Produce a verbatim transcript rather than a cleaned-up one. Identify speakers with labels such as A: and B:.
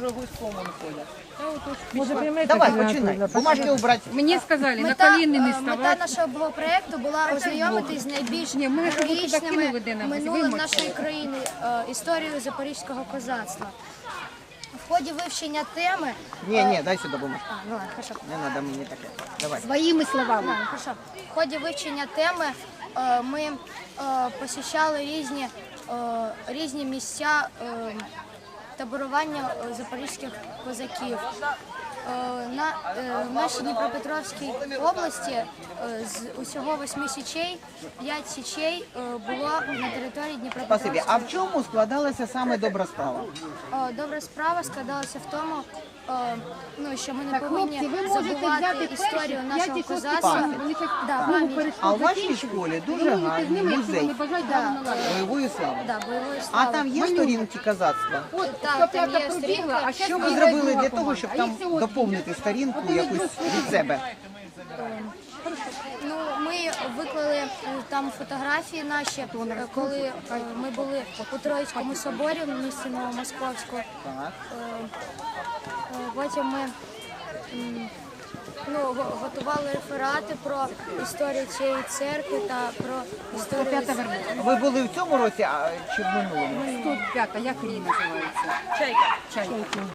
A: дорогой сломан ходят.
B: Може, приймете
A: Давай,
B: фінансові
A: починай.
B: запити?
A: Бумажки убрать.
C: Мені сказали, на
D: Мета,
C: коліни не
D: е, мета
C: ставати.
D: нашого проєкту була ознайомитись з найбільш
C: Ні, ми щоб ви туди
D: героїчними
C: кинули, де нам,
D: минулим
C: вимочили.
D: нашої країни, е, історією запорізького козацтва. В ході вивчення теми...
A: Не, не, дай сюда бумажку.
D: А, ну ладно, хорошо.
A: Не надо мне таке. Давай.
C: Своїми словами.
D: Ладно, хорошо. В ході вивчення теми е, ми е, посіщали різні, е, різні місця е, таборування е, запорізьких козаків. Е, На, е, в нашій Дніпропетровській області е, з усього восьми січей, п'ять січей е, було на території
A: Спасибі.
D: Дніпропетровської.
A: А в чому складалася саме добра справа?
D: Е, Добра справа складалася в тому, е, ну, що ми не
C: Так,
D: повинні
C: хлопці, ви можете
D: забувати
C: взяти
D: історію
C: перші
D: нашого
C: п'ять і
D: козацтва.
C: шості класи. Вони щось
D: Да,
C: знову
D: пам'ять.
C: перейшли
A: А у вашій
C: закінчили.
A: школі дуже
C: Ви можете з
A: гарний
C: ними, якщо
A: музей
C: вони бажають,
D: Да.
C: право наладити.
A: бойової слави.
D: Да, бойової
A: А
D: слави.
A: там є сторінки козацтва?
C: От,
D: Так,
C: сто
D: там
C: п'ята
D: є
C: пробігла,
D: сторінка.
C: а щас
A: Що ви
C: бігає
A: зробили
C: друга
A: для того,
C: команда.
A: щоб
C: А
A: там
C: їх всього
A: доповнити
C: дві.
A: сторінку
C: От вони
A: якусь
C: друг
A: від себе?
D: Ну, ми виклали е, там фотографії наші, е, коли е, ми були у Троїцькому соборі в місті Новомосковську.
A: Так.
D: Е, е, Потім ми м, ну, го- готували реферати про історію цієї церкви та про історію...
C: П'ята вербова.
A: Ви були в цьому році а, чи в минулому?
C: сто п'ята, як рій називається?
A: Чайка.
C: Чайка.